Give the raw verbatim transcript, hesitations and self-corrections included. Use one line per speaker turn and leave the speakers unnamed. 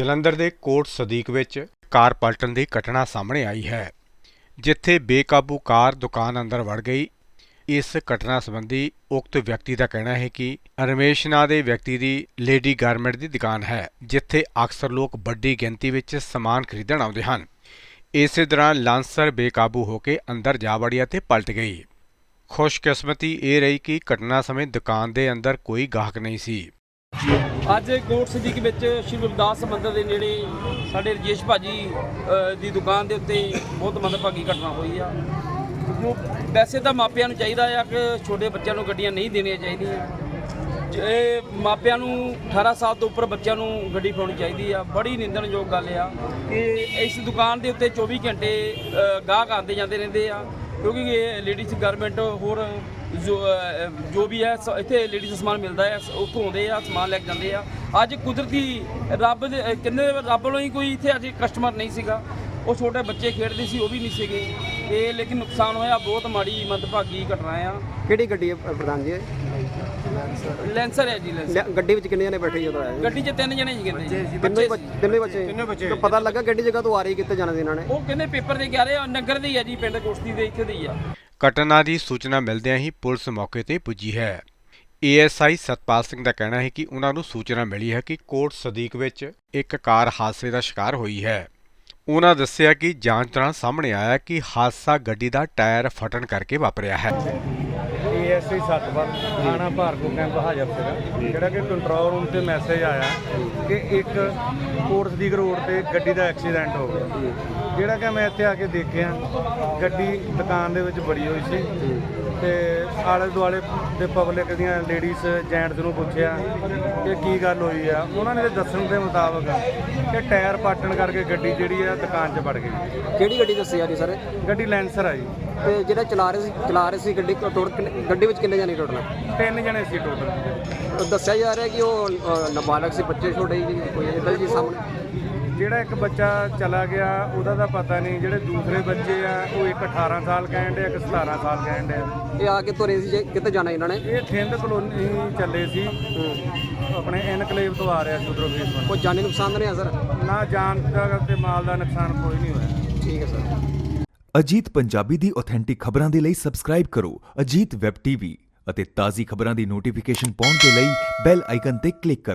ਜਲੰਧਰ ਦੇ ਕੋਟ ਸਦੀਕ ਵਿੱਚ ਕਾਰ ਪਲਟਣ ਦੀ ਘਟਨਾ ਸਾਹਮਣੇ ਆਈ ਹੈ, ਜਿੱਥੇ ਬੇਕਾਬੂ ਕਾਰ ਦੁਕਾਨ ਅੰਦਰ ਵੜ ਗਈ। ਇਸ ਘਟਨਾ ਸੰਬੰਧੀ ਉਕਤ ਵਿਅਕਤੀ ਦਾ ਕਹਿਣਾ ਹੈ ਕਿ ਰਮੇਸ਼ ਨਾਂ ਦੇ ਵਿਅਕਤੀ ਦੀ ਲੇਡੀ ਗਾਰਮੈਂਟ ਦੀ ਦੁਕਾਨ ਹੈ, ਜਿੱਥੇ ਅਕਸਰ ਲੋਕ ਵੱਡੀ ਗਿਣਤੀ ਵਿੱਚ ਸਮਾਨ ਖਰੀਦਣ ਆਉਂਦੇ ਹਨ। ਇਸੇ ਦੌਰਾਨ ਲਾਂਸਰ ਬੇਕਾਬੂ ਹੋ ਕੇ ਅੰਦਰ ਜਾ ਵੜੀ ਅਤੇ ਪਲਟ ਗਈ। ਖੁਸ਼ਕਿਸਮਤੀ ਇਹ ਰਹੀ ਕਿ ਘਟਨਾ ਸਮੇਂ ਦੁਕਾਨ ਦੇ ਅੰਦਰ ਕੋਈ ਗਾਹਕ ਨਹੀਂ ਸੀ।
ਅੱਜ ਕੋਟ ਸਦੀਕ ਵਿੱਚ ਸ਼੍ਰੀ ਗੁਰਦਾਸ ਮੰਦਰ ਦੇ ਨੇੜੇ ਸਾਡੇ ਰਜੇਸ਼ ਭਾਜੀ ਦੀ ਦੁਕਾਨ ਦੇ ਉੱਤੇ ਬਹੁਤ ਮੰਦਭਾਗੀ ਘਟਨਾ ਹੋਈ ਆ। ਜੋ ਵੈਸੇ ਤਾਂ ਮਾਪਿਆਂ ਨੂੰ ਚਾਹੀਦਾ ਆ ਕਿ ਛੋਟੇ ਬੱਚਿਆਂ ਨੂੰ ਗੱਡੀਆਂ ਨਹੀਂ ਦੇਣੀਆਂ ਚਾਹੀਦੀਆਂ। ਜੇ ਮਾਪਿਆਂ ਨੂੰ ਅਠਾਰਾਂ ਸਾਲ ਤੋਂ ਉੱਪਰ ਬੱਚਿਆਂ ਨੂੰ ਗੱਡੀ ਫੜਾਉਣੀ ਚਾਹੀਦੀ ਆ। ਬੜੀ ਨਿੰਦਣਯੋਗ ਗੱਲ ਆ ਕਿ ਇਸ ਦੁਕਾਨ ਦੇ ਉੱਤੇ ਚੌਵੀ ਘੰਟੇ ਗਾਹਕ ਆਉਂਦੇ ਜਾਂਦੇ ਰਹਿੰਦੇ ਆ, ਕਿਉਂਕਿ ਇਹ ਲੇਡੀਜ਼ ਗਾਰਮੈਂਟ ਹੋਰ ਜੋ ਜੋ ਵੀ ਹੈ ਇੱਥੇ ਲੇਡੀਜ਼ ਦਾ ਸਮਾਨ ਮਿਲਦਾ ਹੈ, ਉੱਥੋਂ ਆਉਂਦੇ ਆ ਸਮਾਨ ਲੈ ਕੇ ਜਾਂਦੇ ਆ। ਅੱਜ ਕੁਦਰਤੀ ਰੱਬ ਦੇ ਕਿੰਨੇ ਰੱਬ ਵੱਲੋਂ ਹੀ ਕੋਈ ਇੱਥੇ ਅੱਜ ਕਸਟਮਰ ਨਹੀਂ ਸੀਗਾ। ਉਹ ਛੋਟੇ ਬੱਚੇ ਖੇਡਦੇ ਸੀ, ਉਹ ਵੀ ਨਹੀਂ ਸੀਗੇ। ਇਹ ਲੇਕਿਨ ਨੁਕਸਾਨ ਹੋਇਆ, ਬਹੁਤ ਮਾੜੀ ਮੰਦਭਾਗੀ ਘਟਨਾ ਆ।
ਕਿਹੜੀ ਗੱਡੀ ਹੈ ਪ੍ਰਧਾਨ ਜੀ?
ਲੈਂਸਰ ਹੈ ਜੀ। ਲੈਂਸਰ
ਗੱਡੀ ਵਿੱਚ ਕਿੰਨੇ ਜਣੇ ਬੈਠੇ ਜਦੋਂ ਆਏ?
ਗੱਡੀ 'ਚ ਤਿੰਨ ਜਣੇ ਸੀ ਕਹਿੰਦੇ।
ਤਿੰਨੇ ਤਿੰਨੇ ਬੱਚੇ ਤਿੰਨੇ ਬੱਚੇ ਪਤਾ ਲੱਗਾ ਗੱਡੀ ਜਗ੍ਹਾ ਤੋਂ ਆ ਰਹੀ ਕਿੱਥੇ ਜਾਣਾ ਸੀ ਇਹਨਾਂ ਨੇ?
ਉਹ ਕਹਿੰਦੇ ਪੇਪਰ ਦੇ ਕੇ ਆ ਰਹੇ ਆ, ਨਗਰ ਦੇ ਹੀ ਆ ਜੀ, ਪਿੰਡ ਕੋਸ਼ਤੀ ਦੇ ਇੱਥੇ ਦੇ ਹੀ ਆ।
ਘਟਨਾ ਦੀ ਸੂਚਨਾ ਮਿਲਦਿਆਂ ਹੀ ਪੁਲਿਸ ਮੌਕੇ ਤੇ ਪੁੱਜੀ ਹੈ। A S I Satpal Singh ਦਾ ਕਹਿਣਾ ਹੈ ਕਿ ਉਹਨਾਂ ਨੂੰ ਸੂਚਨਾ ਮਿਲੀ ਹੈ ਕਿ ਕੋਟ ਸਦੀਕ ਵਿੱਚ ਇੱਕ ਕਾਰ ਹਾਦਸੇ ਦਾ ਸ਼ਿਕਾਰ ਹੋਈ ਹੈ। ਉਹਨਾਂ ਦੱਸਿਆ ਕਿ ਜਾਂਚ ਦੌਰਾਨ ਸਾਹਮਣੇ ਆਇਆ ਕਿ ਹਾਦਸਾ ਗੱਡੀ ਦਾ ਟਾਇਰ ਫਟਣ ਕਰਕੇ ਵਾਪਰਿਆ ਹੈ।
ਏ ਐਸ ਆਈ ਸਤਪਾਲ ਥਾਣਾ ਭਾਰਗੋ ਕੈਂਪ ਹਾਜ਼ਰ ਸੀਗਾ, ਜਿਹੜਾ ਕਿ ਕੰਟਰੋਲ ਰੂਮ ਤੇ ਮੈਸੇਜ ਆਇਆ ਕਿ ਇੱਕ ਕੋਟ ਸਦੀਕ ਰੋਡ ਤੇ ਗੱਡੀ ਦਾ ਐਕਸੀਡੈਂਟ ਹੋ ਗਿਆ। ਜਿਹੜਾ ਕਿ ਮੈਂ ਇੱਥੇ ਆ ਕੇ ਦੇਖਿਆ, ਗੱਡੀ ਦੁਕਾਨ ਦੇ ਵਿੱਚ ਬੜੀ ਹੋਈ ਸੀ ਤੇ ਆਲੇ ਦੁਆਲੇ ਦੇ ਪਬਲਿਕ ਦੀਆਂ ਲੇਡੀਜ਼ ਜੈਂਟਸ ਨੂੰ ਪੁੱਛਿਆ ਕਿ ਕੀ ਗੱਲ ਹੋਈ ਆ। ਉਹਨਾਂ ਨੇ ਦੱਸਣ ਦੇ ਮੁਤਾਬਕ ਕਿ ਟਾਇਰ ਪਾਟਣ ਕਰਕੇ ਗੱਡੀ ਜਿਹੜੀ ਆ ਦੁਕਾਨ 'ਚ ਵੜ ਗਈ।
ਕਿਹੜੀ ਗੱਡੀ ਦੱਸੀ ਜਾ ਰਹੀ ਸਰ?
ਗੱਡੀ ਲੈਂਸਰ ਆ ਜੀ।
ਤੇ ਜਿਹੜਾ ਚਲਾ ਰਹੇ ਸੀ ਚਲਾ ਰਹੇ ਸੀ ਗੱਡੀ ਟੋਟਲ ਗੱਡੀ ਵਿੱਚ ਕਿੰਨੇ ਜਣੇ ਟੋਟਲ?
ਤਿੰਨ ਜਣੇ ਸੀ ਟੋਟਲ।
ਦੱਸਿਆ ਜਾ ਰਿਹਾ ਕਿ ਉਹ ਨਾਬਾਲਗ ਸੀ, ਬੱਚੇ ਛੋਟੇ ਜੀ, ਕੋਈ ਇੱਦਾਂ ਜੀ ਸਾਹਮਣੇ?
ਜਿਹੜਾ ਇੱਕ ਬੱਚਾ ਚਲਾ ਗਿਆ ਉਹਦਾ ਤਾਂ ਪਤਾ ਨਹੀਂ, ਜਿਹੜੇ ਦੂਸਰੇ ਬੱਚੇ ਆ ਉਹ ਇੱਕ ਅਠਾਰਾਂ ਸਾਲ ਕਹਿਣ ਦੇ, ਇੱਕ ਸਤਾਰਾਂ ਸਾਲ ਕਹਿਣ ਦੇ।
ਇਹ ਆ ਕੇ ਤੁਰੇ ਸੀ, ਕਿੱਥੇ ਜਾਣਾ ਇਹਨਾਂ ਨੇ?
ਇਹ ਥਿੰਦ ਕਲੋਨੀ ਚੱਲੇ ਸੀ, ਆਪਣੇ ਇਨਕਲੇਵ ਤੋਂ ਆ ਰਿਹਾ ਸੀ ਉਧਰੋਂ ਫੇਸ।
ਕੋਈ ਜਾਨੀ ਨੁਕਸਾਨ ਤਾਂ ਨਹੀਂ ਆ ਸਰ?
ਨਾ ਜਾਨ ਦਾ ਤੇ ਮਾਲ ਦਾ ਨੁਕਸਾਨ ਕੋਈ ਨਹੀਂ ਹੋਇਆ।
ਠੀਕ ਹੈ ਸਰ।
ਅਜੀਤ ਪੰਜਾਬੀ ਦੀ ਆਥੈਂਟਿਕ ਖਬਰਾਂ ਦੇ ਲਈ ਸਬਸਕ੍ਰਾਈਬ ਕਰੋ ਅਜੀਤ ਵੈਬ ਟੀਵੀ ਅਤੇ ਤਾਜ਼ੀ ਖਬਰਾਂ ਦੀ ਨੋਟੀਫਿਕੇਸ਼ਨ ਪਾਉਣ ਦੇ ਲਈ ਬੈਲ ਆਈਕਨ ਤੇ ਕਲਿੱਕ ਕਰੋ।